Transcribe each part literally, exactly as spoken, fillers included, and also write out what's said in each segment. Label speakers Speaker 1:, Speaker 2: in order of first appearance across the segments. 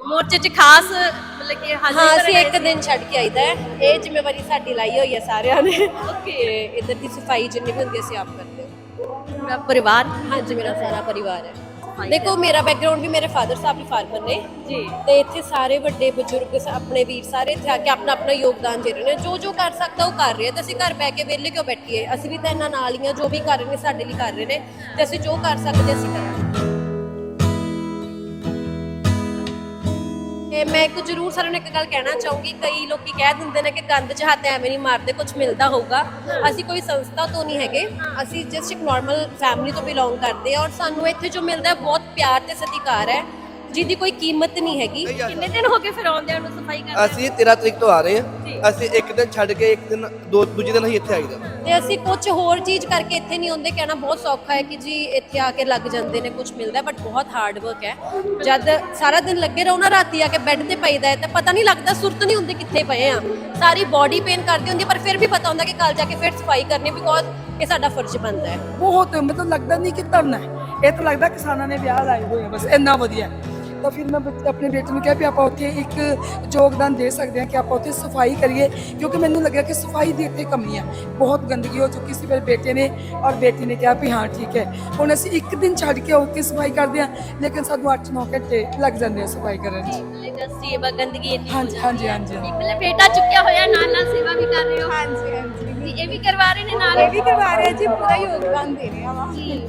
Speaker 1: ਮੋਰਚੇ 'ਚ ਖਾਸ ਮਤਲਬ ਕਿ ਹਾਜ਼ਰੀ
Speaker 2: ਹਾਂ
Speaker 1: ਕਰਨ
Speaker 2: ਅਸੀਂ
Speaker 1: ਆਏ
Speaker 2: ਇੱਕ
Speaker 1: ਸੀ?
Speaker 2: ਦਿਨ ਛੱਡ ਕੇ ਆਈਦਾ ਹੈ। ਇਹ ਜ਼ਿੰਮੇਵਾਰੀ ਸਾਡੀ ਲਾਈ ਹੋਈ ਹੈ ਸਾਰਿਆਂ ਨੇ
Speaker 1: ਓਕੇ।
Speaker 2: ਤੇ ਇੱਧਰ ਦੀ ਸਫਾਈ ਜਿੰਨੀ ਵੀ ਹੁੰਦੀ ਅਸੀਂ ਆਪ ਕਰਦੇ ਹਾਂ।
Speaker 1: ਪੂਰਾ ਪਰਿਵਾਰ
Speaker 2: ਹਾਂਜੀ ਮੇਰਾ ਸਾਰਾ ਪਰਿਵਾਰ ਹੈ।
Speaker 1: ਸਫਾਈ
Speaker 2: ਦੇਖੋ ਮੇਰਾ ਬੈਕਗ੍ਰਾਉਂਡ ਵੀ ਮੇਰੇ ਫਾਦਰ ਸਾਹਿਬ ਵੀ ਫਾਰਮਰ ਨੇ
Speaker 1: ਜੀ।
Speaker 2: ਤੇ ਇੱਥੇ ਸਾਰੇ ਵੱਡੇ ਬਜ਼ੁਰਗ ਸ- ਆਪਣੇ ਵੀਰ ਸਾਰੇ ਇੱਥੇ ਆ ਕੇ ਆਪਣਾ ਆਪਣਾ ਯੋਗਦਾਨ ਦੇ ਰਹੇ ਨੇ। ਜੋ ਜੋ ਕਰ ਸਕਦਾ ਉਹ ਕਰ ਰਿਹਾ ਤੇ ਅਸੀਂ ਘਰ ਬੈ ਕੇ ਵਿਹਲੇ ਕਿਉਂ ਬੈਠੀਏ। ਅਸੀਂ ਵੀ ਤਾਂ ਇਹਨਾਂ ਨਾਲ ਹੀ ਆ, ਜੋ ਵੀ ਕਰ ਰਹੇ ਨੇ ਸਾਡੇ ਲਈ ਕਰ ਰਹੇ ਨੇ ਤੇ ਅਸੀਂ ਜੋ ਕਰ ਸਕਦੇ ਅਸੀਂ ਕਰਾਂਗੇ। ਤੇ ਮੈਂ ਇੱਕ ਜ਼ਰੂਰ ਸਾਰਿਆਂ ਨੂੰ ਇੱਕ ਗੱਲ ਕਹਿਣਾ ਚਾਹੂੰਗੀ, ਕਈ ਲੋਕੀ ਕਹਿ ਦਿੰਦੇ ਨੇ ਕਿ ਗੰਦ 'ਚ ਹੱਥ ਐਵੇਂ ਨਹੀਂ ਮਾਰਦੇ, ਕੁਝ ਮਿਲਦਾ ਹੋਊਗਾ। ਅਸੀਂ ਕੋਈ ਸੰਸਥਾ ਤੋਂ ਨਹੀਂ ਹੈਗੇ, ਅਸੀਂ ਜਸਟ ਇੱਕ ਨਾਰਮਲ ਫੈਮਿਲੀ ਤੋਂ ਬਿਲੋਂਗ ਕਰਦੇ ਹਾਂ ਔਰ ਸਾਨੂੰ ਇੱਥੇ ਜੋ ਮਿਲਦਾ ਹੈ ਬਹੁਤ ਪਿਆਰ ਤੇ ਸਤਿਕਾਰ ਹੈ ਜਿਹਦੀ ਕੋਈ ਕੀਮਤ ਨਹੀਂ ਹੈਗੀ।
Speaker 1: ਕਿੰਨੇ ਦਿਨ ਹੋ ਗਏ ਫਿਰ ਆਉਂਦਿਆਂ ਨੂੰ ਸਫਾਈ ਕਰਦੇ?
Speaker 3: ਅਸੀਂ ਤੇਰਾਂ ਤਰੀਕ ਤੋਂ ਆ ਰਹੇ
Speaker 1: ਜੀ।
Speaker 3: ਹਾਂ। ਅਸੀਂ ਇੱਕ ਦਿਨ ਛੱਡ ਕੇ ਇੱਕ ਦਿਨ ਦੋ ਦੂਜੇ ਦਿਨ ਅਸੀਂ ਇੱਥੇ ਆਈਦਾ।
Speaker 2: ਤੇ ਅਸੀਂ ਕੁਝ ਹੋਰ ਚੀਜ਼ ਕਰਕੇ ਇੱਥੇ ਨਹੀਂ ਆਉਂਦੇ। ਕਹਿਣਾ ਬਹੁਤ ਸੌਖਾ ਹੈ ਕਿ ਜੀ ਇੱਥੇ ਆ ਕੇ ਲੱਗ ਜਾਂਦੇ ਨੇ, ਕੁਝ ਮਿਲਦਾ, ਬਟ ਬਹੁਤ ਹਾਰਡ ਵਰਕ ਹੈ। ਜਦ ਸਾਰਾ ਦਿਨ ਲੱਗੇ ਰਹੋ ਨਾ, ਰਾਤੀ ਆ ਕੇ ਬੈੱਡ ਤੇ ਪਈਦਾ ਹੈ ਤਾਂ ਪਤਾ ਨਹੀਂ ਲੱਗਦਾ, ਸੁਰਤ ਨਹੀਂ ਹੁੰਦੀ ਕਿੱਥੇ ਪਏ ਆ। ਸਾਰੀ ਬਾਡੀ ਪੇਨ ਕਰਦੀ ਹੁੰਦੀ, ਪਰ ਫਿਰ ਵੀ ਪਤਾ ਹੁੰਦਾ ਕਿ ਕੱਲ ਜਾ ਕੇ ਫਿਰ ਸਫਾਈ ਕਰਨੀ, ਬਿਕੋਜ਼ ਇਹ ਸਾਡਾ ਫਰਜ਼ ਬਣਦਾ ਹੈ।
Speaker 4: ਬਹੁਤ ਮਤਲਬ ਲੱਗਦਾ ਨਹੀਂ ਕਿ ਧਰਨਾ ਹੈ, ਇਹ ਤਾਂ ਲੱਗਦਾ ਕਿਸਾਨਾਂ ਨੇ ਵਿਆਹ ਲਾਏ ਹੋਏ ਆ, ਬਸ ਇੰਨਾ ਵਧੀਆ। ਤਾਂ ਫਿਰ ਮੈਂ ਬੱਚ- ਆਪਣੇ ਬੇਟੇ ਨੂੰ ਕਿਹਾ ਵੀ ਆਪਾਂ ਉੱਥੇ ਇੱਕ ਯੋਗਦਾਨ ਦੇ ਸਕਦੇ ਹਾਂ ਕਿ ਆਪਾਂ ਉੱਥੇ ਸਫਾਈ ਕਰੀਏ, ਕਿਉਂਕਿ ਮੈਨੂੰ ਲੱਗਿਆ ਕਿ ਸਫਾਈ ਦੀ ਇੱਥੇ ਕਮੀ ਹੈ, ਬਹੁਤ ਗੰਦਗੀ ਹੋ ਚੁੱਕੀ ਸੀ। ਮੇਰੇ ਬੇਟੇ ਨੇ ਔਰ ਬੇਟੀ ਨੇ ਕਿਹਾ ਵੀ ਹਾਂ ਠੀਕ ਹੈ, ਹੁਣ ਅਸੀਂ ਇੱਕ ਦਿਨ ਛੱਡ ਕੇ ਉੱਥੇ ਸਫਾਈ ਕਰਦੇ ਹਾਂ, ਲੇਕਿਨ ਸਾਨੂੰ ਅੱਠ ਨੌ ਘੰਟੇ ਲੱਗ ਜਾਂਦੇ ਆ ਸਫਾਈ ਕਰਨ 'ਚ।
Speaker 1: ਮਤਲਬ ਸੇਵਾ ਗੰਦਗੀ ਇੰਨੀ
Speaker 4: ਹਾਂਜੀ ਹਾਂਜੀ ਹਾਂਜੀ ਹਾਂਜੀ।
Speaker 1: ਮਤਲਬ ਬੇਟਾ ਚੁੱਕਿਆ ਹੋਇਆ, ਨਾਲ ਨਾਲ ਸੇਵਾ ਵੀ ਕਰ ਰਹੇ ਹੋ?
Speaker 5: ਹਾਂਜੀ ਹਾਂਜੀ
Speaker 1: ਜੀ, ਇਹ ਵੀ ਕਰਵਾ ਰਹੇ ਨੇ ਨਾਲ?
Speaker 5: ਇਹ ਵੀ ਕਰਵਾ ਰਹੇ ਜੀ, ਪੂਰਾ ਯੋਗਦਾਨ ਦੇ ਰਹੇ ਆ
Speaker 1: ਜੀ।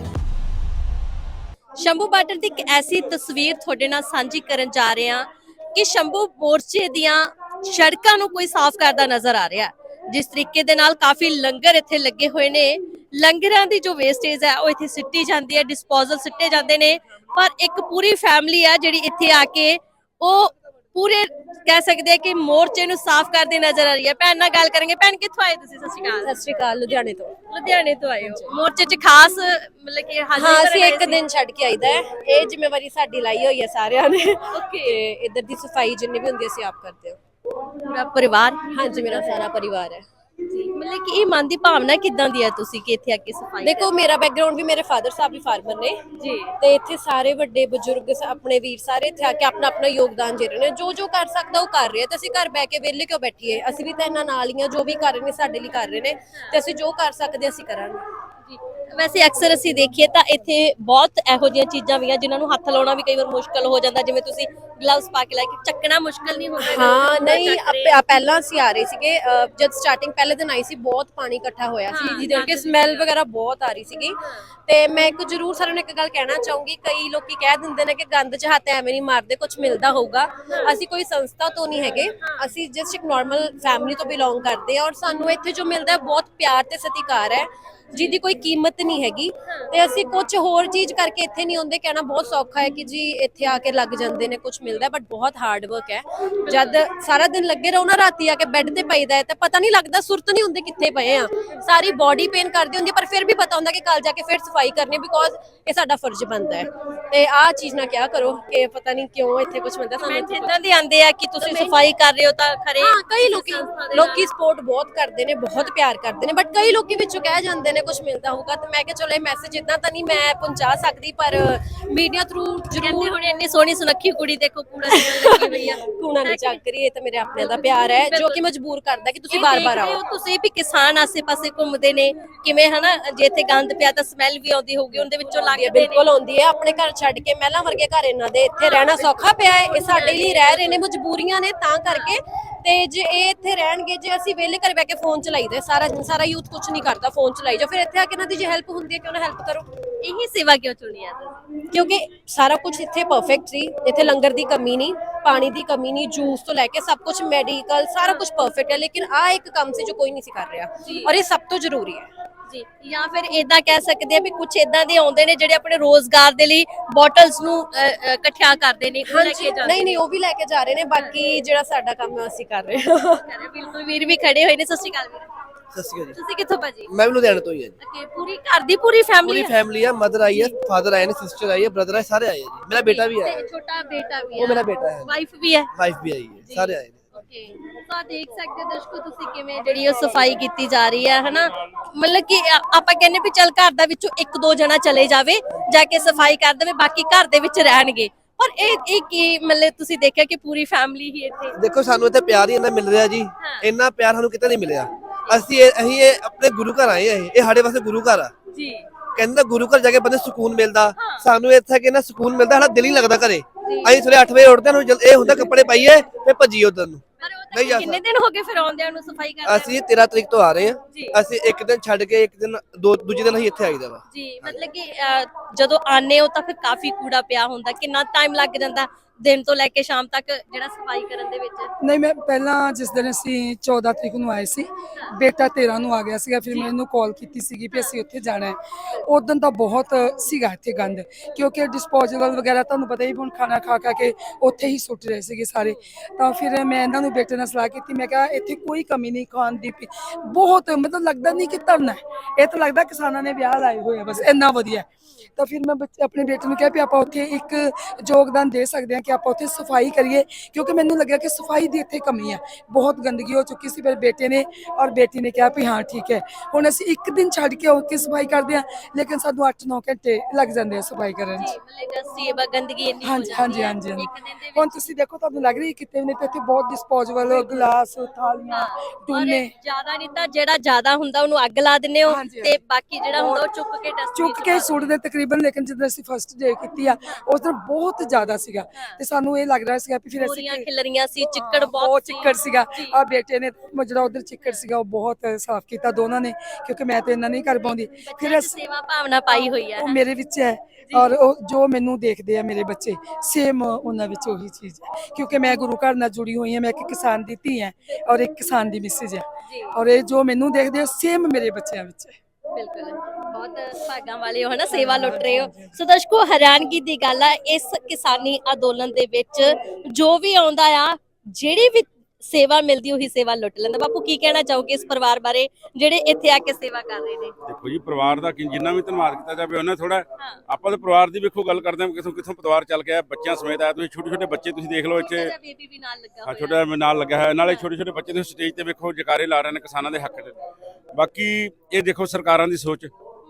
Speaker 1: ਸ਼ੰਭੂ ਬਾਰਡਰ ਦੀ ਇੱਕ ਐਸੀ ਤਸਵੀਰ ਤੁਹਾਡੇ ਨਾਲ ਸਾਂਝੀ ਕਰਨ ਜਾ ਰਹੇ ਹਾਂ ਕਿ ਸ਼ੰਭੂ ਮੋਰਚੇ ਦੀਆਂ ਸੜਕਾਂ ਨੂੰ ਕੋਈ ਸਾਫ਼ ਕਰਦਾ ਨਜ਼ਰ ਆ ਰਿਹਾ। ਜਿਸ ਤਰੀਕੇ ਦੇ ਨਾਲ ਕਾਫੀ ਲੰਗਰ ਇੱਥੇ ਲੱਗੇ ਹੋਏ ਨੇ, ਲੰਗਰਾਂ ਦੀ ਜੋ ਵੇਸਟੇਜ ਹੈ ਉਹ ਇੱਥੇ ਸਿੱਟੀ ਜਾਂਦੀ ਹੈ, ਡਿਸਪੋਜ਼ਲ ਸਿੱਟੇ ਜਾਂਦੇ ਨੇ, ਪਰ ਇੱਕ ਪੂਰੀ ਫੈਮਿਲੀ ਹੈ ਜਿਹੜੀ ਇੱਥੇ ਆ ਕੇ ਉਹ ਪੂਰੇ ਕਹਿ ਸਕਦੇ ਆ ਕਿ ਮੋਰਚੇ ਨੂੰ ਸਾਫ਼ ਕਰਦੇ ਨਜ਼ਰ ਆ ਰਹੀ ਹੈ। ਭੈਣ ਨਾਲ ਗੱਲ ਕਰਾਂਗੇ। ਭੈਣ ਕਿੱਥੋਂ ਆਏ ਤੁਸੀਂ? ਸਤਿ ਸ਼੍ਰੀ ਅਕਾਲ।
Speaker 2: ਸਤਿ ਸ਼੍ਰੀ ਅਕਾਲ, ਲੁਧਿਆਣੇ ਤੋਂ।
Speaker 1: ਲੁਧਿਆਣੇ ਤੋਂ ਆਏ ਹੋ। ਮੋਰਚੇ 'ਚ ਖਾਸ ਮਤਲਬ ਕਿ ਹਾਜ਼ਰੀ
Speaker 2: ਹਾਂ
Speaker 1: ਕਰਨ
Speaker 2: ਅਸੀਂ
Speaker 1: ਆਏ
Speaker 2: ਇੱਕ
Speaker 1: ਸੀ?
Speaker 2: ਦਿਨ ਛੱਡ ਕੇ ਆਈਦਾ ਹੈ। ਇਹ ਜ਼ਿੰਮੇਵਾਰੀ ਸਾਡੀ ਲਾਈ ਹੋਈ ਹੈ ਸਾਰਿਆਂ ਨੇ
Speaker 1: ਓਕੇ।
Speaker 2: ਤੇ ਇੱਧਰ ਦੀ ਸਫਾਈ ਜਿੰਨੀ ਵੀ ਹੁੰਦੀ ਅਸੀਂ ਆਪ ਕਰਦੇ ਹਾਂ।
Speaker 1: ਪੂਰਾ ਪਰਿਵਾਰ?
Speaker 2: ਹਾਂਜੀ ਮੇਰਾ ਸਾਰਾ ਪਰਿਵਾਰ ਹੈ।
Speaker 1: ਜੀ। ਮਤਲਬ ਕਿ ਇਹ ਮਨ ਦੀ ਭਾਵਨਾ ਕਿੱਦਾਂ ਦੀ ਹੈ ਤੁਸੀਂ ਕਿ ਇੱਥੇ ਆ ਕੇ ਸਫਾਈ?
Speaker 2: ਦੇਖੋ ਮੇਰਾ ਬੈਕਗ੍ਰਾਉਂਡ ਵੀ ਮੇਰੇ ਫਾਦਰ ਸਾਹਿਬ ਵੀ ਫਾਰਮਰ ਨੇ
Speaker 1: ਜੀ।
Speaker 2: ਤੇ ਇੱਥੇ ਸਾਰੇ ਵੱਡੇ ਬਜ਼ੁਰਗ ਸ- ਆਪਣੇ ਵੀਰ ਸਾਰੇ ਇੱਥੇ ਆ ਕੇ ਆਪਣਾ ਆਪਣਾ ਯੋਗਦਾਨ ਦੇ ਰਹੇ ਨੇ। ਜੋ ਜੋ ਕਰ ਸਕਦਾ ਉਹ ਕਰ ਰਿਹਾ ਤੇ ਅਸੀਂ ਘਰ ਬੈ ਕੇ ਵਿਹਲੇ ਕਿਉਂ ਬੈਠੀਏ। ਅਸੀਂ ਵੀ ਤਾਂ ਇਹਨਾਂ ਨਾਲ ਹੀ ਆ, ਜੋ ਵੀ ਕਰ ਰਹੇ ਨੇ ਸਾਡੇ ਲਈ ਕਰ ਰਹੇ ਨੇ ਤੇ ਅਸੀਂ ਜੋ ਕਰ ਸਕਦੇ ਅਸੀਂ ਕਰਾਂਗੇ।
Speaker 1: ਜੀ। ਵੈਸੇ ਅਕਸਰ ਅਸੀਂ ਦੇਖੀਏ ਤਾਂ ਇੱਥੇ ਬਹੁਤ ਇਹੋ ਜਿਹੀਆਂ ਚੀਜ਼ਾਂ ਵੀ ਆ ਜਿਨ੍ਹਾਂ ਨੂੰ ਹੱਥ ਲਾਉਣਾ ਵੀ ਕਈ ਵਾਰ ਮੁਸ਼ਕਲ ਹੋ ਜਾਂਦਾ, ਜਿਵੇਂ ਤੁਸੀਂ ਗਲਵਸ ਪਾ ਕੇ ਲੈ ਕੇ ਚੱਕਣਾ ਮੁਸ਼ਕਲ ਨਹੀਂ ਹੁੰਦਾ?
Speaker 2: ਹਾਂ ਨਹੀਂ ਅਪ- ਪਹਿਲਾਂ ਅਸੀਂ ਆ ਰਹੇ ਸੀਗੇ, ਅ, ਜਦ ਸਟਾਰਟਿੰਗ ਪਹਿਲੇ ਦਿਨ ਆਈ ਸੀ ਬਹੁਤ ਪਾਣੀ ਇਕੱਠਾ ਹੋਇਆ ਸੀ, ਜਿਹਦੇ ਕਰਕੇ ਸਮੈਲ ਵਗੈਰਾ ਬਹੁਤ ਆ ਰਹੀ ਸੀਗੀ। ਤੇ ਮੈਂ ਇੱਕ ਜ਼ਰੂਰ ਸਾਰਿਆਂ ਨੂੰ ਇੱਕ ਗੱਲ ਕਹਿਣਾ ਚਾਹੂੰਗੀ, ਕਈ ਲੋਕੀ ਕਹਿ ਦਿੰਦੇ ਨੇ ਕਿ ਗੰਦ 'ਚ ਹੱਥ ਐਵੇਂ ਨਹੀਂ ਮਾਰਦੇ, ਕੁਝ ਮਿਲਦਾ ਹੋਊਗਾ। ਅਸੀਂ ਕੋਈ ਸੰਸਥਾ ਤੋਂ ਨਹੀਂ ਹੈਗੇ, ਅਸੀਂ ਜਸਟ ਇੱਕ ਨਾਰਮਲ ਫੈਮਿਲੀ ਤੋਂ ਬਿਲੋਂਗ ਕਰਦੇ ਹਾਂ ਔਰ ਸਾਨੂੰ ਇੱਥੇ ਜੋ ਮਿਲਦਾ ਹੈ ਬਹੁਤ ਪਿਆਰ ਤੇ ਸਤਿਕਾਰ ਹੈ ਜਿਹਦੀ ਕੋਈ ਕੀਮਤ ਨਹੀਂ ਹੈਗੀ। ਤੇ ਅਸੀਂ ਕੁਝ ਹੋਰ ਚੀਜ਼ ਕਰਕੇ ਇੱਥੇ ਨਹੀਂ ਆਉਂਦੇ। ਕਹਿਣਾ ਬਹੁਤ ਸੌਖਾ ਹੈ ਕਿ ਜੀ ਇੱਥੇ ਆ ਕੇ ਲੱਗ ਜਾਂਦੇ ਨੇ, ਕੁਝ ਮਿਲਦਾ, ਬਟ ਬਹੁਤ ਹਾਰਡ ਵਰਕ ਹੈ। ਜਦ ਸਾਰਾ ਦਿਨ ਲੱਗੇ ਰਹੋ ਨਾ, ਰਾਤੀ ਆ ਕੇ ਬੈੱਡ ਤੇ ਪਈਦਾ ਹੈ ਤਾਂ ਪਤਾ ਨਹੀਂ ਲੱਗਦਾ, ਸੁਰਤ ਨਹੀਂ ਹੁੰਦੀ ਕਿੱਥੇ ਪਏ ਆ। ਸਾਰੀ ਬਾਡੀ ਪੇਨ ਕਰਦੀ ਹੁੰਦੀ, ਪਰ ਫਿਰ ਵੀ ਪਤਾ ਹੁੰਦਾ ਕਿ ਕੱਲ ਜਾ ਕੇ ਫਿਰ ਸਫਾਈ ਕਰਨੀ, ਬਿਕੋਜ਼ ਇਹ ਸਾਡਾ ਫਰਜ਼ ਬਣਦਾ ਹੈ। ਤੇ ਆਹ ਚੀਜ਼ ਨਾ ਕਿਹਾ ਕਰੋ ਕਿ ਪਤਾ ਨਹੀਂ ਕਿਉਂ ਇੱਥੇ ਕੁਝ ਮਿਲਦਾ ਸਾਨੂੰ। ਇੱਥੇ
Speaker 1: ਇਦਾਂ ਦੇ ਆਂਦੇ ਆ ਕਿ ਤੁਸੀਂ ਸਫਾਈ ਕਰ ਰਹੇ ਹੋ ਤਾਂ ਖਰੇ?
Speaker 2: ਹਾਂ ਕਈ ਲੋਕੀ ਲੋਕੀ ਸਪੋਰਟ ਬਹੁਤ ਕਰਦੇ ਨੇ, ਬਹੁਤ ਪਿਆਰ ਕਰਦੇ ਨੇ, ਬਟ ਕਈ ਲੋਕੀ ਵਿੱਚੋਂ ਕਹਿ ਜਾਂਦੇ ਨੇ ਕੁਝ ਮਿਲਦਾ ਹੋਊਗਾ। ਤੇ ਮੈਂ ਕਿਹਾ ਚਲੋ ਇਹ ਮੈਸੇਜ ਇਦਾਂ ਤਾਂ ਨਹੀਂ ਮੈਂ ਪਹੁੰਚਾ ਸਕਦੀ, ਪਰ ਮੀਡੀਆ ਥਰੂ
Speaker 1: ਜ਼ਰੂਰ। ਹੁਣ ਇੰਨੀ ਸੋਹਣੀ ਸੁਨੱਖੀ ਕੁੜੀ ਦੇਖੋ ਕੂੜਾ ਲੱਗੀ ਹੋਈ ਆ।
Speaker 2: ਕੂਣਾ ਨਹੀਂ ਚੱਕ ਰਹੀ, ਇਹ ਤਾਂ ਮੇਰੇ ਆਪਣੇ ਦਾ ਪਿਆਰ ਹੈ ਜੋ ਕਿ ਮਜਬੂਰ ਕਰਦਾ ਕਿ ਤੁਸੀਂ ਬਾਰ-ਬਾਰ ਆਓ।
Speaker 1: ਤੁਸੀਂ ਵੀ ਕਿਸਾਨ ਆਸੇ-ਪਾਸੇ ਘੁੰਮਦੇ ਨੇ, ਕਿਵੇਂ ਹਨਾ, ਜੇ ਇੱਥੇ ਗੰਦ ਪਿਆ ਤਾਂ ਸਮੈਲ ਵੀ ਆਉਂਦੀ ਹੋਊਗੀ, ਉਹਦੇ ਵਿੱਚੋਂ ਲੱਗਦੇ ਨੇ?
Speaker 2: ਬਿਲਕੁਲ ਆਉਂਦੀ ਹੈ। ਆਪਣੇ ਘਰ ਛੱਡ ਕੇ ਮਹਿਲਾਂ ਵਰਗੇ ਘਰ ਇਹਨਾਂ ਦੇ, ਇੱਥੇ ਰਹਿਣਾ ਸੌਖਾ ਪਿਆ ਹੈ। ਇਹ ਸਾਡੇ ਲਈ ਰਹਿ ਰਹੇ ਨੇ, ਮਜਬੂਰੀਆਂ ਨੇ ਤਾਂ ਕਰਕੇ। ਤੇ ਜੇ ਇਹ ਇੱਥੇ ਰਹਿਣਗੇ, ਜੇ ਅਸੀਂ ਵਿਹਲੇ ਘਰ ਬੈ ਕੇ ਫੋਨ ਚਲਾਈਦਾ ਸਾਰਾ ਦਿਨ, ਸਾਰਾ ਯੂਥ ਕੁਝ ਨਹੀਂ ਕਰਦਾ, ਫੋਨ ਚਲਾਈ ਜਾਓ, ਫਿਰ ਇੱਥੇ ਆ ਕੇ ਇਹਨਾਂ ਦੀ ਜੇ ਹੈਲਪ ਹੁੰਦੀ ਹੈ ਕਿਉਂ ਨਾ ਹੈਲਪ ਕਰੋ।
Speaker 1: ਇਹੀ ਸੇਵਾ ਕਿਉਂ ਚੁਣੀ ਆ ਤੁਸੀਂ?
Speaker 2: ਕਿਉਂਕਿ ਸਾਰਾ ਕੁਝ ਇੱਥੇ ਪਰਫੈਕਟ ਸੀ। ਇੱਥੇ ਲੰਗਰ ਦੀ ਕਮੀ ਨਹੀਂ, ਪਾਣੀ ਦੀ ਕਮੀ ਨਹੀਂ, ਜੂਸ ਤੋਂ ਲੈ ਕੇ ਸਭ ਕੁਝ, ਮੈਡੀਕਲ ਸਾਰਾ ਕੁਝ ਪਰਫੈਕਟ ਹੈ। ਲੇਕਿਨ ਆ ਇੱਕ ਕੰਮ ਸੀ ਜੋ ਕੋਈ ਨਹੀਂ ਸੀ ਕਰ ਰਿਹਾ ਔਰ ਇਹ ਸਭ ਤੋਂ ਜ਼ਰੂਰੀ ਹੈ।
Speaker 1: ਜੀ। ਜਾਂ ਫਿਰ ਇਦਾਂ ਕਹਿ ਸਕਦੇ ਆ ਵੀ ਕੁਝ ਇਦਾਂ ਦੇ ਆਉਂਦੇ ਨੇ ਜਿਹੜੇ ਆਪਣੇ ਰੋਜ਼ਗਾਰ ਦੇ ਲਈ ਬੋਟਲਸ ਨੂੰ ਇਕੱਠਿਆ ਕਰਦੇ ਨੇ, ਉਹ ਲੈ ਕੇ ਜਾਂਦੇ
Speaker 2: ਨਹੀਂ ਨਹੀਂ ਉਹ ਵੀ ਲੈ ਕੇ ਜਾ ਰਹੇ ਨੇ। ਬਾਕੀ ਜਿਹੜਾ ਸਾਡਾ ਕੰਮ ਹੈ ਅਸੀਂ ਕਰ ਰਹੇ ਹਾਂ।
Speaker 1: ਨੇ। ਬਿਲਕੁਲ, ਵੀਰ ਵੀ ਖੜੇ ਹੋਏ ਨੇ। ਸਤਿ ਸ਼੍ਰੀ ਅਕਾਲ ਵੀਰ।
Speaker 3: ਸਤਿ ਸ਼੍ਰੀ ਅਕਾਲ ਜੀ।
Speaker 1: ਤੁਸੀਂ ਕਿੱਥੋਂ ਭਾਜੀ?
Speaker 3: ਮੈਂ ਵੀ ਲੁਧਿਆਣੇ ਤੋਂ ਹੀ ਹਾਂ ਜੀ।
Speaker 1: ਓਕੇ, ਪੂਰੀ ਘਰ ਦੀ ਪੂਰੀ ਫੈਮਿਲੀ?
Speaker 3: ਪੂਰੀ ਫੈਮਿਲੀ ਹੈ, ਮਦਰ ਆਈ ਹੈ, ਫਾਦਰ ਆਏ ਨੇ, ਸਿਸਟਰ ਆਈ ਹੈ, ਬ੍ਰਦਰ ਆਏ, ਸਾਰੇ ਆਏ ਹੈ ਜੀ। ਮੇਰਾ ਬੇਟਾ ਵੀ ਆਇਆ ਹੈ।
Speaker 1: ਛੋਟਾ ਬੇਟਾ ਵੀ ਹੈ?
Speaker 3: ਉਹ ਮੇਰਾ ਬੇਟਾ ਹੈ।
Speaker 1: ਵਾਈਫ ਵੀ ਹੈ?
Speaker 3: ਵਾਈਫ ਵੀ ਆਈ ਹੈ, ਸਾਰੇ ਆਏ ਨੇ।
Speaker 1: ਓਕੇ, ਤਾਂ ਦੇਖ ਸਕਦੇ ਹੋ ਦਰਸ਼ਕੋ ਤੁਸੀਂ ਕਿਵੇਂ ਜਿਹੜੀ ਉਹ ਸਫਾਈ ਕੀਤੀ ਜਾ ਰਹੀ ਹੈ ਹਨਾ। ਮਤਲਬ ਕਿ ਆ- ਆਪਾਂ ਕਹਿੰਦੇ ਵੀ ਚੱਲ ਘਰ ਦਾ ਵਿੱਚੋਂ ਇੱਕ ਦੋ ਜਣਾ ਚਲੇ ਜਾਵੇ, ਜਾ ਕੇ ਸਫਾਈ ਕਰ ਦੇਵੇ, ਬਾਕੀ ਘਰ ਦੇ ਵਿੱਚ ਰਹਿਣਗੇ, ਪਰ ਇਹ ਇਹ ਕੀ ਮਤਲਬ ਤੁਸੀਂ ਦੇਖਿਆ ਕਿ ਪੂਰੀ ਫੈਮਿਲੀ ਹੀ ਇੱਥੇ
Speaker 3: ਦੇਖੋ ਸਾਨੂੰ ਇੱਥੇ ਪਿਆਰ ਹੀ ਇੰਨਾ ਮਿਲ ਰਿਹਾ ਜੀ, ਇੰਨਾ ਪਿਆਰ ਸਾਨੂੰ ਕਿਤੇ ਨਹੀਂ ਮਿਲਿਆ। ਅਸੀਂ ਇਹ- ਅਸੀਂ ਇਹ ਆਪਣੇ ਗੁਰੂ ਘਰ ਆਏ ਆ, ਇਹ ਇਹ ਸਾਡੇ ਵਾਸਤੇ ਗੁਰੂ ਘਰ ਆ।
Speaker 1: ਜੀ
Speaker 3: ਕਹਿੰਦਾ ਗੁਰੂ ਘਰ ਜਾ ਕੇ ਬੰਦੇ ਸਕੂਨ ਮਿਲਦਾ, ਸਾਨੂੰ ਇੱਥੇ ਕਿ ਨਾ ਸਕੂਨ ਮਿਲਦਾ, ਸਾਡਾ ਦਿਲ ਹੀ ਲੱਗਦਾ ਘਰੇ। ਅਸੀਂ ਸਵੇਰੇ ਅੱਠ ਵਜੇ ਉੱਠਦੇ ਹਾਂ, ਸਾਨੂੰ ਇਹ ਹੁੰਦਾ ਕੱਪੜੇ ਪਾਈਏ ਤੇ ਭੱਜੀਏ ਉਧਰ ਨੂੰ।
Speaker 1: ਪਰ ਉਹ
Speaker 3: ਨਹੀਂ ਜਾ
Speaker 1: ਤਾਂ ਕਿੰਨੇ ਦਿਨ ਹੋ ਗਏ ਫਿਰ ਆਉਂਦਿਆਂ ਨੂੰ ਸਫਾਈ ਕਰਦੇ
Speaker 3: ਅਸੀਂ ਤੇਰਾਂ ਤਰੀਕ ਤੋਂ ਆ ਰਹੇ
Speaker 1: ਜੀ।
Speaker 3: ਹਾਂ। ਅਸੀਂ ਇੱਕ ਦਿਨ ਛੱਡ ਕੇ ਇੱਕ ਦਿਨ ਦੋ ਦੂਜੇ ਦਿਨ ਅਸੀਂ ਇੱਥੇ ਆਈਦਾ ਵਾ।
Speaker 1: ਜੀ ਮਤਲਬ ਕਿ ਅਹ, ਜਦੋਂ ਆਨੇ ਹੋ ਤਾਂ ਫਿਰ ਕਾਫੀ ਕੂੜਾ ਪਿਆ ਹੁੰਦਾ, ਕਿੰਨਾ ਟਾਈਮ ਲੱਗ ਜਾਂਦਾ ਦਿਨ ਤੋਂ ਲੈ ਕੇ ਸ਼ਾਮ ਤੱਕ ਜਿਹੜਾ ਸਫਾਈ ਕਰਨ ਦੇ ਵਿੱਚ?
Speaker 4: ਨਹੀਂ, ਮੈਂ ਪਹਿਲਾਂ ਜਿਸ ਦਿਨ ਅਸੀਂ ਚੌਦਾਂ ਤਰੀਕ ਨੂੰ ਆਏ ਸੀ, ਬੇਟਾ ਤੇਰਾਂ ਨੂੰ ਆ ਗਿਆ ਸੀਗਾ, ਫਿਰ ਮੈਂ ਇਹਨੂੰ ਕਾਲ ਕੀਤੀ ਸੀਗੀ ਵੀ ਅਸੀਂ ਉੱਥੇ ਜਾਣਾ ਹੈ। ਉਦੋਂ ਤਾਂ ਬਹੁਤ ਸੀਗਾ ਇੱਥੇ ਗੰਦ, ਕਿਉਂਕਿ ਡਿਸਪੋਜ਼ੇਬਲ ਵਗੈਰਾ ਤੁਹਾਨੂੰ ਪਤਾ ਹੀ, ਹੁਣ ਖਾਣਾ ਖਾ ਖਾ ਕੇ ਉੱਥੇ ਹੀ ਸੁੱਟ ਰਹੇ ਸੀਗੇ ਸਾਰੇ। ਤਾਂ ਫਿਰ ਮੈਂ ਇਹਨਾਂ ਨੂੰ ਬੇਟੇ ਨਾਲ ਸਲਾਹ ਕੀਤੀ, ਮੈਂ ਕਿਹਾ ਇੱਥੇ ਕੋਈ ਕਮੀ ਨਹੀਂ ਖਾਣ ਦੀ, ਪੀ- ਬਹੁਤ ਮਤਲਬ ਲੱਗਦਾ ਨਹੀਂ ਕਿ ਧਰਨਾ ਹੈ, ਇਹ ਤਾਂ ਲੱਗਦਾ ਕਿਸਾਨਾਂ ਨੇ ਵਿਆਹ ਲਾਏ ਹੋਏ ਆ, ਬਸ ਇੰਨਾ ਵਧੀਆ। ਤਾਂ ਫਿਰ ਮੈਂ ਬੱਚੇ ਆਪਣੇ ਬੇਟੇ ਨੂੰ ਕਿਹਾ ਵੀ ਆਪਾਂ ਉੱਥੇ ਇੱਕ ਯੋਗਦਾਨ ਦੇ ਸਕਦੇ ਹਾਂ ਕਿ ਆਪਾਂ ਉੱਥੇ ਸਫਾਈ ਕਰੀਏ, ਕਿਉਂਕਿ ਮੈਨੂੰ ਲੱਗਿਆ ਕਿ ਸਫਾਈ ਦੀ ਇੱਥੇ ਕਮੀ ਹੈ, ਬਹੁਤ ਗੰਦਗੀ ਹੋ ਚੁੱਕੀ ਸੀ। ਮੇਰੇ ਬੇਟੇ ਨੇ ਔਰ ਬੇਟੀ ਨੇ ਕਿਹਾ ਵੀ ਹਾਂ ਠੀਕ ਹੈ, ਹੁਣ ਅਸੀਂ ਇੱਕ ਦਿਨ ਛੱਡ ਕੇ ਉੱਥੇ ਸਫਾਈ ਕਰਦੇ ਹਾਂ, ਲੇਕਿਨ ਸਾਨੂੰ ਅੱਠ ਨੌ ਘੰਟੇ ਲੱਗ ਜਾਂਦੇ ਆ ਸਫਾਈ ਕਰਨ 'ਚ।
Speaker 1: ਮਤਲਬ ਸੇਵਾ ਗੰਦਗੀ ਇੰਨੀ ਹੋ
Speaker 4: ਹਾਂਜੀ
Speaker 1: ਜਾਂਦੀ
Speaker 4: ਹਾਂਜੀ
Speaker 1: ਹੈ
Speaker 4: ਹਾਂਜੀ ਹਾਂਜੀ।
Speaker 1: ਇੱਕ ਦਿਨ ਦੇ
Speaker 4: ਹੁਣ ਤੁਸੀਂ ਦੇਖੋ, ਤੁਹਾਨੂੰ ਲੱਗ ਰਹੀ ਕਿਤੇ ਨੇ ਤੇ ਇੱਥੇ ਬਹੁਤ ਡਿਸਪੋਜ਼ੇਬਲ ਗਲਾਸ, ਥਾਲੀਆਂ, ਟੂਨੇ
Speaker 1: ਜਿਆਦਾ ਨਹੀਂ ਤਾਂ ਜਿਹੜਾ ਜਿਆਦਾ ਹੁੰਦਾ ਉਹਨੂੰ ਅੱਗ ਲਾ ਦਿੰਦੇ ਹੋ
Speaker 4: ਹਾਂਜੀ,
Speaker 1: ਤੇ ਬਾਕੀ ਜਿਹੜਾ ਹੁੰਦਾ ਉਹ ਚੁੱਕ ਕੇ ਡਸਟਬਿਨ
Speaker 4: ਚੁੱਕ ਕੇ ਸੁੱਟਦੇ ਤਕਰੀਬਨ। ਲੇਕਿਨ ਜਦੋਂ ਅਸੀਂ ਫਸਟ ਡੇ ਕੀਤੀ ਆ ਉਸ ਦਿਨ ਬਹੁਤ ਜ਼ਿਆਦਾ ਸੀਗਾ, ਤੇ ਸਾਨੂੰ ਇਹ ਲੱਗ ਰਿਹਾ ਸੀਗਾ ਵੀ ਫਿਰ ਅਸੀਂ
Speaker 1: ਪੂਰੀਆਂ ਖਿਲਰੀਆਂ ਸੀ, ਚਿੱਕੜ
Speaker 4: ਬਹੁਤ
Speaker 1: ਬਹੁਤ
Speaker 4: ਚਿੱਕੜ ਸੀਗਾ। ਆ ਬੇਟੇ ਨੇ ਜਿਹੜਾ ਉਧਰ ਚਿੱਕੜ ਸੀਗਾ ਉਹ ਬਹੁਤ ਸਾਫ਼ ਕੀਤਾ ਦੋਨਾਂ ਨੇ, ਕਿਉਂਕਿ ਮੈਂ ਤੇ ਇੰਨਾ ਨਹੀਂ ਕਰ ਪਾਉਂਦੀ। ਫਿਰ ਅਸੀਂ
Speaker 1: ਸੇਵਾ ਭਾਵਨਾ ਪਾਈ ਹੋਈ ਹੈ।
Speaker 4: ਉਹ ਮੇਰੇ ਵਿੱਚ ਹੈ, ਔਰ ਉਹ ਜੋ ਮੈਨੂੰ ਦੇਖਦੇ ਆ ਮੇਰੇ ਬੱਚੇ, ਸੇਮ ਉਹਨਾਂ ਵਿੱਚ ਉਹੀ ਚੀਜ਼ ਹੈ, ਕਿਉਂਕਿ ਮੈਂ ਗੁਰੂ ਘਰ ਨਾਲ ਜੁੜੀ ਹੋਈ ਹਾਂ, ਮੈਂ ਇੱਕ ਕਿਸਾਨ ਦੀ ਧੀ ਹਾਂ ਔਰ ਇੱਕ ਕਿਸਾਨ ਦੀ ਮਿਸਿਜ ਹੈ, ਔਰ ਇਹ ਜੋ ਮੈਨੂੰ ਦੇਖਦੇ ਆ ਸੇਮ ਮੇਰੇ ਬੱਚਿਆਂ ਵਿੱਚ ਹੈ।
Speaker 1: ਬਿਲਕੁਲ ਬਹੁਤ ਭਾਗਾਂ ਵਾਲੇ ਹੋ ਹਨਾ, ਸੇਵਾ ਲੁੱਟ ਰਹੇ ਹੋ। ਸੋ ਦਰਸ਼ਕੋ, ਹੈਰਾਨਗੀ ਦੀ ਗੱਲ ਆ, ਇਸ ਕਿਸਾਨੀ ਅੰਦੋਲਨ ਦੇ ਵਿੱਚ ਜੋ ਵੀ ਆਉਂਦਾ ਆ, ਜਿਹੜੀ ਵੀ ਸੇਵਾ ਮਿਲਦੀ ਉਹੀ ਸੇਵਾ ਲੁੱਟ ਲੈਂਦਾ। ਬਾਪੂ ਕੀ ਕਹਿਣਾ ਚਾਹੋਗੇ ਇਸ ਪਰਿਵਾਰ ਬਾਰੇ ਜਿਹੜੇ ਇੱਥੇ ਆ ਕੇ ਸੇਵਾ ਕਰ ਰਹੇ ਨੇ?
Speaker 6: ਦੇਖੋ ਜੀ, ਪਰਿਵਾਰ ਦਾ ਕਿ- ਜਿੰਨਾ ਵੀ ਧੰਨਵਾਦ ਕੀਤਾ ਜਾਵੇ ਉਹਨਾਂ ਥੋੜਾ। ਆਪਾਂ ਤਾਂ ਪਰਿਵਾਰ ਦੀ ਵੇਖੋ ਗੱਲ ਕਰਦੇ ਹਾਂ, ਕਿਥੋਂ ਕਿਥੋਂ ਪਰਿਵਾਰ ਚੱਲ ਕੇ ਆਇਆ, ਬੱਚਿਆਂ ਸਮੇਤ ਆਇਆ। ਤੁਸੀਂ ਛੋਟੇ ਛੋਟੇ ਬੱਚੇ ਤੁਸੀਂ ਦੇਖ ਲਓ ਇੱਥੇ,
Speaker 1: ਬੇਬੀ ਵੀ ਨਾਲ ਲੱਗਾ
Speaker 6: ਆ
Speaker 1: ਹੋਇਆ।
Speaker 6: ਛੋਟਾ ਨਾਲ ਲੱਗਿਆ ਹੋਇਆ, ਨਾਲੇ ਛੋਟੇ ਛੋਟੇ ਬੱਚੇ ਤੁਸੀਂ ਸਟੇਜ ਤੇ ਵੇਖੋ ਜਕਾਰੇ ਲਾ ਰਹੇ ਨੇ ਕਿਸਾਨਾਂ ਦੇ ਹੱਕ 'ਚ। ਬਾਕੀ ਇਹ ਦੇਖੋ ਸਰਕਾਰਾਂ ਦੀ ਸੋਚ,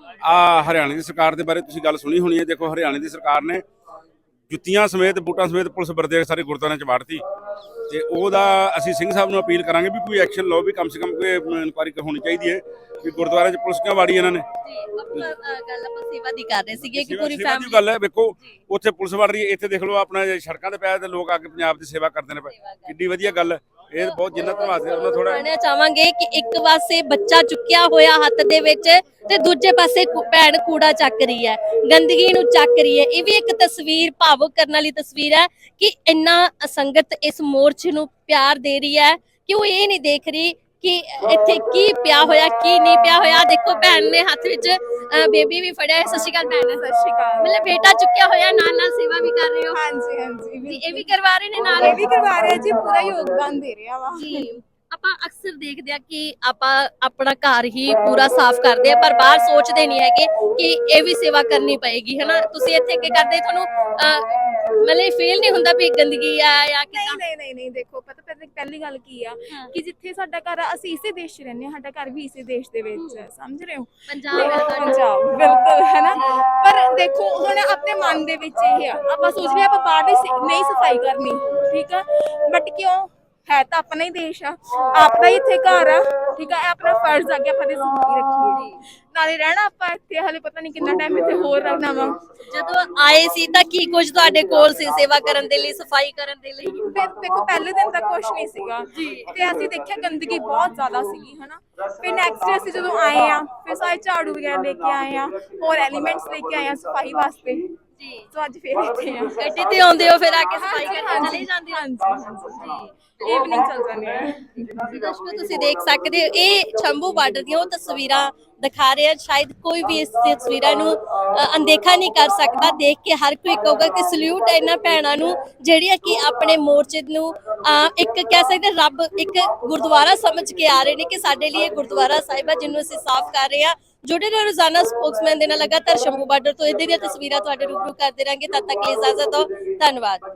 Speaker 6: ਆ ਹਰਿਆਣੇ ਦੀ ਸਰਕਾਰ ਦੇ ਬਾਰੇ ਤੁਸੀਂ ਗੱਲ ਸੁਣੀ ਹੋਣੀ ਹੈ। ਦੇਖੋ ਹਰਿਆਣੇ ਦੀ ਸਰਕਾਰ ਨੇ ਜੁੱਤੀਆਂ ਸਮੇਤ, ਬੂਟਾਂ ਸਮੇਤ ਪੁਲਿਸ ਵਰਦੇ ਸਾਰੇ ਗੁਰਦੁਆਰਿਆਂ 'ਚ ਵਾੜਤੀ, ਤੇ ਉਹਦਾ ਅਸੀਂ ਸਿੰਘ ਸਾਹਿਬ ਨੂੰ ਅਪੀਲ ਕਰਾਂਗੇ ਵੀ ਕੋਈ ਐਕਸ਼ਨ ਲਓ, ਵੀ ਕਮ ਸੇ ਕਮ ਕੋਈ ਇਨਕੁਆਇਰੀ ਹੋਣੀ ਚਾਹੀਦੀ ਹੈ ਵੀ ਗੁਰਦੁਆਰਿਆਂ 'ਚ ਪੁਲਿਸ ਕਿਉਂ ਵਾੜੀ ਇਹਨਾਂ ਨੇ।
Speaker 1: ਜੀ ਬਾਪੂ, ਅ, ਗੱਲ ਆਪਾਂ ਸੇਵਾ ਦੀ ਕਰ ਰਹੇ ਸੀਗੇ ਕਿ
Speaker 6: ਸੇਵਾ-
Speaker 1: ਪੂਰੀ
Speaker 6: ਸੇਵਾ ਦੀ
Speaker 1: ਫੈਮਿਲੀ
Speaker 6: ਗੱਲ ਹੈ। ਵੇਖੋ ਉੱਥੇ ਪੁਲਿਸ ਵੜ ਰਹੀ ਹੈ, ਇੱਥੇ ਦੇਖ ਲਓ ਆਪਣਾ ਸੜਕਾਂ ਤੇ ਪਿਆ ਤੇ ਲੋਕ ਆ ਕੇ ਪੰਜਾਬ ਦੀ ਸੇਵਾ ਕਰਦੇ ਨੇ, ਕਿੱਡੀ ਵਧੀਆ ਗੱਲ ਹੈ। ਇਹ ਬਹੁਤ ਜਿੰਨਾ ਧੰਨਵਾਦ ਹੈ ਉਹਨਾਂ ਥੋੜਾ।
Speaker 1: ਕਹਿਣਾ ਚਾਹਾਂਗੇ ਕਿ ਇੱਕ ਪਾਸੇ ਬੱਚਾ ਚੁੱਕਿਆ ਹੋਇਆ ਹੱਥ ਦੇ ਵਿੱਚ ਤੇ ਦੂਜੇ ਪਾਸੇ ਕੁ- ਭੈਣ ਕੂੜਾ ਚੱਕ ਰਹੀ ਹੈ, ਗੰਦਗੀ ਨੂੰ ਚੱਕ ਰਹੀ ਹੈ। ਇਹ ਵੀ ਇੱਕ ਤਸਵੀਰ, ਭਾਵੁਕ ਕਰਨ ਵਾਲੀ ਤਸਵੀਰ ਹੈ ਕਿ ਇੰਨਾ ਸੰਗਤ ਇਸ ਮੋਰਚੇ ਨੂੰ ਪਿਆਰ ਦੇ ਰਹੀ ਹੈ ਕਿ ਉਹ ਇਹ ਨਹੀਂ ਦੇਖ ਰਹੀ ਕਿ ਇੱਥੇ ਕੀ ਪਿਆ ਹੋਇਆ ਕੀ ਨਹੀਂ ਪਿਆ ਹੋਇਆ। ਦੇਖੋ ਭੈਣ ਨੇ ਹੱਥ ਵਿੱਚ ਬੇਬੀ ਵੀ ਫੜਿਆ ਹੈ। ਸਤਿ ਸ਼੍ਰੀ ਅਕਾਲ ਭੈਣ।
Speaker 5: ਸਤਿ ਸ਼੍ਰੀ ਅਕਾਲ।
Speaker 1: ਮਤਲਬ ਬੇਟਾ ਚੁੱਕਿਆ ਹੋਇਆ, ਨਾਲ ਨਾਲ ਸੇਵਾ ਵੀ ਕਰ ਰਹੇ ਹੋ?
Speaker 5: ਹਾਂਜੀ ਹਾਂਜੀ
Speaker 1: ਜੀ, ਇਹ ਵੀ ਕਰਵਾ ਰਹੇ ਨੇ ਨਾਲ?
Speaker 5: ਇਹ ਵੀ ਕਰਵਾ ਰਿਹਾ ਜੀ, ਪੂਰਾ ਯੋਗਦਾਨ ਦੇ ਰਿਹਾ ਵਾ।
Speaker 1: ਜੀ ਆਪਾਂ ਅਕਸਰ ਦੇਖਦੇ ਆ ਕਿ ਆਪਾਂ ਆਪਣਾ ਘਰ ਹੀ ਪੂਰਾ ਸਾਫ਼ ਕਰਦੇ ਆ, ਪਰ ਬਾਹਰ ਸੋਚਦੇ ਨਹੀਂ ਹੈਗੇ ਕਿ ਇਹ ਵੀ ਸੇਵਾ ਕਰਨੀ ਪਏਗੀ, ਹਨਾ? ਤੁਸੀਂ ਇੱਥੇ ਕੀ ਕਰਦੇ, ਤੁਹਾਨੂੰ ਅਹ, ਮਤਲਬ ਫੀਲ ਨਹੀਂ ਹੁੰਦਾ ਵੀ ਗੰਦਗੀ ਆ ਜਾਂ
Speaker 5: ਨਹੀਂ
Speaker 1: ਕਿਦਾਂ?
Speaker 5: ਨਹੀਂ ਨਹੀਂ ਨਹੀਂ ਦੇਖੋ, ਪਤਾ ਪਹਿਲੀ ਪਹਿਲੀ ਗੱਲ ਕੀ ਆ ਕਿ ਜਿੱਥੇ ਸਾਡਾ ਘਰ ਆ, ਅਸੀਂ ਇਸੇ ਦੇਸ਼ 'ਚ ਰਹਿੰਦੇ ਹਾਂ, ਸਾਡਾ ਘਰ ਵੀ ਇਸੇ ਦੇਸ਼ ਦੇ ਵਿੱਚ ਹੈ, ਸਮਝ ਰਹੇ ਹੋ?
Speaker 1: ਪੰਜਾਬ ਹੈ ਤੁਹਾਡਾ।
Speaker 5: ਪੰਜਾਬ ਬਿਲਕੁਲ ਹੈ ਨਾ। ਪਰ ਦੇਖੋ ਹੁਣ ਆਪਣੇ ਮਨ ਦੇ ਵਿੱਚ ਇਹ ਆ, ਆਪਾਂ ਸੋਚ ਰਹੇ ਆਪਾਂ ਬਾਹਰ ਦੀ ਸ- ਨਹੀਂ ਸਫਾਈ ਕਰਨੀ, ਠੀਕ ਆ, ਬਟ ਕਿਉਂ ਹੈ ਤਾਂ ਆਪਣਾ ਹੀ ਦੇਸ਼ ਆ, ਆਪਣਾ ਹੀ ਇੱਥੇ ਘਰ ਆ, ਠੀਕ ਆ। ਇਹ ਆਪਣਾ ਫਰਜ਼ ਆ ਕਿ ਆਪਾਂ ਦੀ ਸਫਾਈ ਰੱਖੀਏ, ਨਾਲੇ ਰਹਿਣਾ ਆਪਾਂ ਇੱਥੇ ਹਲੇ ਪਤਾ ਨਹੀਂ ਕਿੰਨਾ ਟਾਈਮ ਇੱਥੇ ਹੋਰ ਰਹਿਣਾ ਵਾ।
Speaker 1: ਜਦੋਂ ਆਏ ਸੀ ਤਾਂ ਕੀ ਕੁਝ ਤੁਹਾਡੇ ਕੋਲ ਸੀ ਸੇਵਾ ਕਰਨ ਦੇ ਲਈ, ਸਫਾਈ ਕਰਨ ਦੇ ਲਈ?
Speaker 5: ਤੇ ਦੇਖੋ ਪਹਿਲੇ ਦਿਨ ਤਾਂ ਕੁਝ ਨਹੀਂ ਸੀਗਾ ਤੇ ਅਸੀਂ ਦੇਖਿਆ ਗੰਦਗੀ ਬਹੁਤ ਜ਼ਿਆਦਾ ਸੀਗੀ, ਹਨਾ। ਫਿਰ ਨੈਕਸਟ ਡੇ ਅਸੀਂ ਜਦੋਂ ਆਏ ਆ, ਫਿਰ ਸਾਰੇ ਝਾੜੂ ਵਗੈਰਾ ਲੈ ਕੇ ਆਏ ਆ, ਹੋਰ ਐਲੀਮੈਂਟਸ ਲੈ ਕੇ ਆਏ ਆ ਸਫਾਈ ਵਾਸਤੇ।
Speaker 1: ਜੀ,
Speaker 5: ਸੋ ਅੱਜ ਫੇਰ ਇੱਥੇ ਆ।
Speaker 1: ਗੱਡੀ ਤੇ ਆਉਂਦੇ ਹੋ ਫਿਰ ਆ ਕੇ ਸਫਾਈ
Speaker 5: ਹਾਂਜੀ,
Speaker 1: ਕਰਨ ਚਲੇ ਜਾਂਦੇ ਹੋ?
Speaker 5: ਹਾਂਜੀ ਹਾਂਜੀ ਈਵਨਿੰਗ ਚੱਲ ਜਾਂਦੇ ਆ।
Speaker 1: ਦਰਸ਼ਕੋ, ਤੁਸੀਂ ਦੇਖ ਸਕਦੇ ਹੋ ਇਹ ਸ਼ੰਭੂ ਬਾਰਡਰ ਦੀਆਂ ਉਹ ਤਸਵੀਰਾਂ ਦਿਖਾ ਰਹੇ ਆ। ਸ਼ਾਇਦ ਕੋਈ ਵੀ ਇਸ ਤਸਵੀਰਾਂ ਨੂੰ ਅ, ਅਣਦੇਖਾ ਨਹੀਂ ਕਰ ਸਕਦਾ। ਦੇਖ ਕੇ ਹਰ ਕੋਈ ਕਹੂਗਾ ਕਿ ਸਲੂਟ ਹੈ ਇਹਨਾਂ ਭੈਣਾਂ ਨੂੰ ਜਿਹੜੀਆਂ ਕਿ ਆਪਣੇ ਮੋਰਚੇ ਨੂੰ ਅ, ਇੱਕ ਕਹਿ ਸਕਦੇ ਰੱਬ ਇੱਕ ਗੁਰਦੁਆਰਾ ਸਮਝ ਕੇ ਆ ਰਹੇ ਨੇ ਕਿ ਸਾਡੇ ਲਈ ਇਹ ਗੁਰਦੁਆਰਾ ਸਾਹਿਬ ਹੈ ਜਿਹਨੂੰ ਅਸੀਂ ਸਾਫ਼ ਕਰ ਰਹੇ ਹਾਂ। ਜੁੜੇ ਰਹੋ ਰੋਜ਼ਾਨਾ ਸਪੋਕਸਮੈਨ ਦੇ ਨਾਲ। ਲਗਾਤਾਰ ਸ਼ੰਭੂ ਬਾਰਡਰ ਤੋਂ ਇਹਦੇ ਦੀਆਂ ਤਸਵੀਰਾਂ ਤੁਹਾਡੇ ਰੂਬਰੂ ਕਰਦੇ ਰਾਂਗੇ। ਤਦ ਤੱਕ ਲਈ ਇਜਾਜ਼ਤ ਦਿਓ। ਧੰਨਵਾਦ।